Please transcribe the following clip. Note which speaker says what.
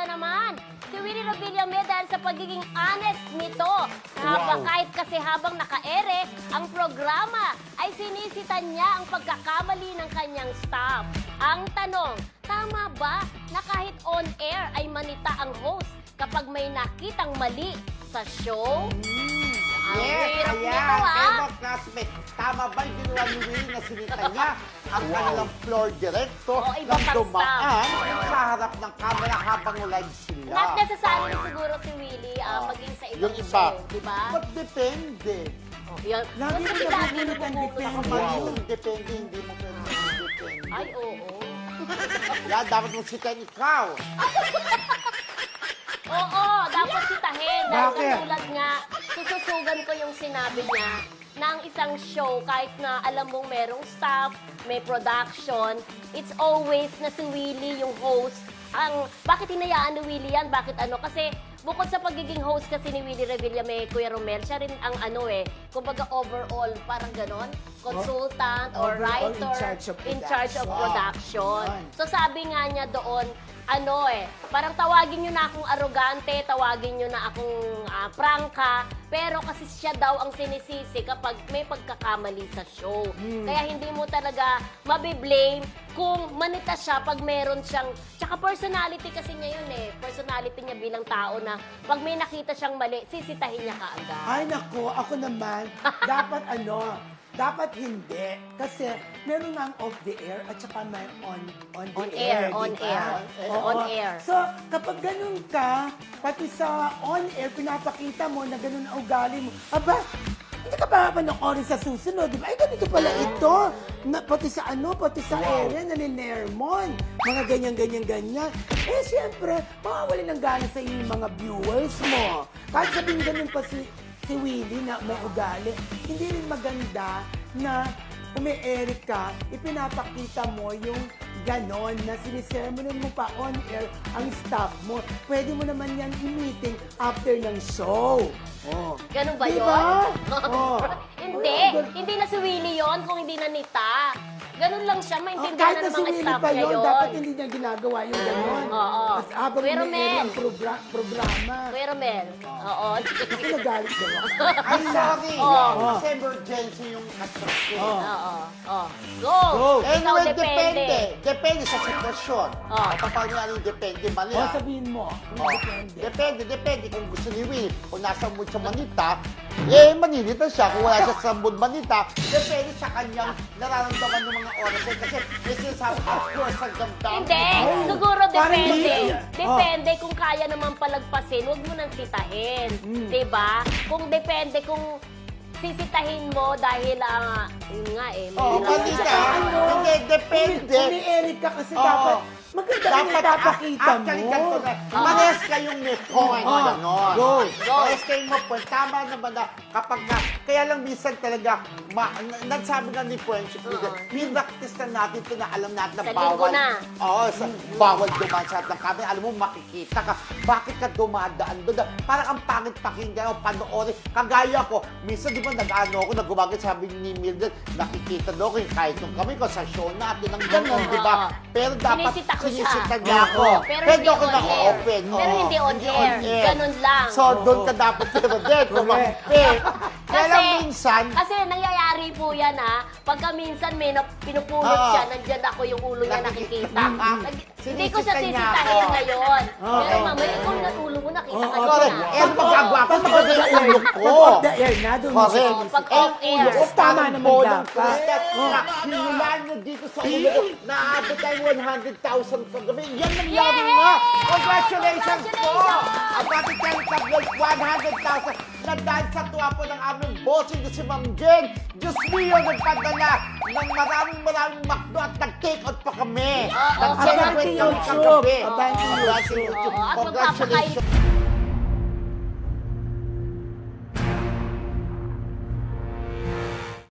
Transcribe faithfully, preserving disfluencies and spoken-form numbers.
Speaker 1: naman si Willie Revillame dahil sa pagiging honest nito. Habang,
Speaker 2: Wow.
Speaker 1: Kahit kasi habang naka-ere ang programa, ay sinisitan niya ang pagkakamali ng kanyang staff. Ang tanong, tama ba na kahit on-air ay manita ang host kapag may nakitang mali sa show? Ang
Speaker 3: Yes,
Speaker 1: hirap
Speaker 3: ayan.
Speaker 1: nito, ah.
Speaker 3: Kaya mga classmates, tama ba yung ginawa ni Willie na sinita niya ang kanilang floor director
Speaker 1: Oo, iba
Speaker 3: nang
Speaker 1: pang
Speaker 3: dumaan sa harap ng camera habang live sila?
Speaker 1: Not necessarily siguro si Willie ah, maging sa ibang
Speaker 3: Yung iba.
Speaker 1: show, di ba?
Speaker 3: But depende.
Speaker 1: Oh, yan.
Speaker 2: Lagi
Speaker 1: Kasi
Speaker 2: mo
Speaker 1: lagi
Speaker 2: nabubulot ang
Speaker 1: nabubulot
Speaker 2: depende.
Speaker 1: ako.
Speaker 3: Wow. Depende, hindi mo pwede depende.
Speaker 1: Ay, oo.
Speaker 3: Yan, dapat mong sitan ikaw.
Speaker 1: Oo, dapat sitahin. Dahil
Speaker 2: Bakit?
Speaker 1: katulad nga, sususugan ko yung sinabi niya na ang isang show, kahit na alam mong merong staff, may production, it's always na si Willie yung host. Ang, bakit hinayaan ni Willie yan? Bakit ano? Kasi bukod sa pagiging host kasi ni Willie Revillame, Kuya Romel, siya rin ang ano eh, kumbaga overall, parang ganon, consultant or
Speaker 2: Overall,
Speaker 1: writer,
Speaker 2: in charge of
Speaker 1: in charge of
Speaker 2: production.
Speaker 1: production. So sabi nga niya doon, ano eh, parang tawagin nyo na akong arrogante, tawagin nyo na akong ah, prangka, pero kasi siya daw ang sinisisi kapag may pagkakamali sa show. Kaya hindi mo talaga mabiblame kung manita siya pag meron siyang, tsaka personality kasi niya yun eh, personality niya bilang tao na pag may nakita siyang mali, sisitahin niya kaagad.
Speaker 2: Ay, nako, ako naman, dapat ano, dapat hindi. Kasi meron nga ang off the air at saka may on, on the
Speaker 1: On air,
Speaker 2: di
Speaker 1: on
Speaker 2: ba?
Speaker 1: air.
Speaker 2: Oo.
Speaker 1: On air.
Speaker 2: So, kapag ganun ka, pati sa on air, pinapakita mo na ganun ang ugali mo, aba, hindi ka pa panoorin sa susunod, di ba? Ay, ganito pala ito. Na, pati sa ano, pati sa area, naninermon. Mga ganyan, ganyan, ganyan. Eh, siyempre, mawawali ng gana sa iyo yung mga viewers mo. Kahit sabihin ganun pa si, si Willie na may ugali, hindi rin maganda na umi-eric ka, ipinapakita mo yung ganon na sinisermonan mo pa on air ang staff mo. Pwede mo naman yan i-meeting after ng show. Oh.
Speaker 1: Ganun ba
Speaker 2: Diba?
Speaker 1: yun?
Speaker 2: Oh.
Speaker 1: Hindi. Hindi na si Willie yun kung hindi na nita. Ganun lang siya.
Speaker 2: Oh,
Speaker 1: Maintindihan
Speaker 2: kahit
Speaker 1: na
Speaker 2: na
Speaker 1: ng
Speaker 2: si
Speaker 1: mga
Speaker 2: Willie
Speaker 1: staff
Speaker 2: pa
Speaker 1: niya
Speaker 2: yun,
Speaker 1: yun.
Speaker 2: dapat hindi niya ginagawa yung ganon.
Speaker 1: Oo.
Speaker 2: At habang
Speaker 1: Pero
Speaker 2: may
Speaker 1: men.
Speaker 2: ang progra- programa,
Speaker 1: Kuya Romel. Oo.
Speaker 2: ako nagalit daw ako.
Speaker 3: Ay, sorry.
Speaker 1: Oh.
Speaker 3: Kasi emergency yung construction.
Speaker 2: Oh.
Speaker 1: Oo. Oo. Go!
Speaker 2: Go.
Speaker 1: Ikaw
Speaker 3: Anyway,
Speaker 1: depende.
Speaker 3: depende. Depende sa sitwasyon.
Speaker 1: Oh.
Speaker 3: Kapag nga yung depende, mali
Speaker 2: O
Speaker 3: ah.
Speaker 2: sabihin mo, kung
Speaker 3: Oh,
Speaker 2: depende.
Speaker 3: depende, depende. Kung gusto ni Will, kung nasa mood siya manita, eh, maninita siya. Kung wala siya sa mood manita, depende sa kanyang nararamdaman ng mga oras. Eh, Kasi may sinasabi, of course, ang damdamin.
Speaker 1: Hindi.
Speaker 2: Ay,
Speaker 1: Siguro
Speaker 2: parang
Speaker 1: depende.
Speaker 2: hindi.
Speaker 1: Depende kung kaya naman palagpasin. Huwag mo nang sitahin.
Speaker 2: Mm.
Speaker 1: Diba? Kung depende kung sisitahin mo dahil, ah, yun nga eh.
Speaker 3: Oo,
Speaker 1: mahirap
Speaker 3: mali
Speaker 1: na-
Speaker 3: ka. Hindi, depende.
Speaker 2: Umi-eric ka kasi
Speaker 3: Oo.
Speaker 2: dapat maganda rin
Speaker 3: Dapat
Speaker 2: ipapakita mo.
Speaker 3: actually, ganito na. Mares kayong may point.
Speaker 2: Oh,
Speaker 3: Ganon.
Speaker 2: go.
Speaker 1: Go.
Speaker 3: Mares kayong may point. Tama naman na kapag na, kaya lang minsan talaga, ma, na- nagsabi nga ni Friendship Leader,
Speaker 1: Oo.
Speaker 3: pinractice na natin ito na alam natin na
Speaker 1: Sa linggo
Speaker 3: bawal.
Speaker 1: na.
Speaker 3: Oo, sa, bawal dumaan sa harap ng camera. Alam mo, makikita ka. Bakit ka dumadaan doon? Parang ang pangit pakinggan o panoorin. Kagaya ko, minsan di ba nag-ano ako, nagumagay, sabi ni Mildred, nakikita daw ko yung kahit nung kami ko sa show natin, ang gano'n,
Speaker 1: Oo.
Speaker 3: di ba? Pero dapat
Speaker 1: Sinisita ko siya.
Speaker 3: sinisita niya ako.
Speaker 1: Oo, pero hindi
Speaker 3: ako
Speaker 1: on
Speaker 3: naka-open.
Speaker 1: air. Pero
Speaker 3: Oo.
Speaker 1: hindi on air. Ganun lang.
Speaker 3: So, doon ka dapat pero din, kumampi. Kaya lang minsan,
Speaker 1: Kasi nangyayari po yan ha. Pagka minsan may na, pinupulot
Speaker 3: Oo.
Speaker 1: siya, nandiyan ako yung ulo niya
Speaker 3: Nakikita.
Speaker 1: nakikita.
Speaker 3: Mm.
Speaker 1: Nag- hindi ko siya
Speaker 3: Sinisita niya
Speaker 1: sisitahin
Speaker 3: ako.
Speaker 1: ngayon.
Speaker 2: Oo.
Speaker 1: Pero mamaya, ikaw na ulo mo, nakita
Speaker 2: Oo,
Speaker 1: ka
Speaker 3: correct.
Speaker 1: niya.
Speaker 3: Eh, magagawa ko, maganda yung ulo ko.
Speaker 2: Pag off the air na, doon mo siya
Speaker 3: Correct.
Speaker 1: Oo, pag
Speaker 2: sinisita.
Speaker 1: off air.
Speaker 2: Ulo ko, tama naman dapat.
Speaker 3: Hinulaan nyo dito sa ulo ko. Naabot tayo one hundred thousand kagabi. Yan nangyari
Speaker 1: Yay!
Speaker 3: nga. Congratulations po!
Speaker 1: Congratulations!
Speaker 3: Ang Bati Tel Tabloid, one hundred thousand. Na dahil sa tuwa po ng aming bossing na si Ma'am Jen, Diyos mio, nagpadala ng maraming maraming makdo at nag-take out pa kami.
Speaker 1: Oo,
Speaker 3: Nag-celebrate
Speaker 2: abangan
Speaker 3: kami
Speaker 2: sa YouTube.
Speaker 3: kagabi.
Speaker 2: Abangan sa
Speaker 3: Abangan sa
Speaker 2: YouTube.
Speaker 3: YouTube.
Speaker 1: Oo, at
Speaker 3: Congratulations.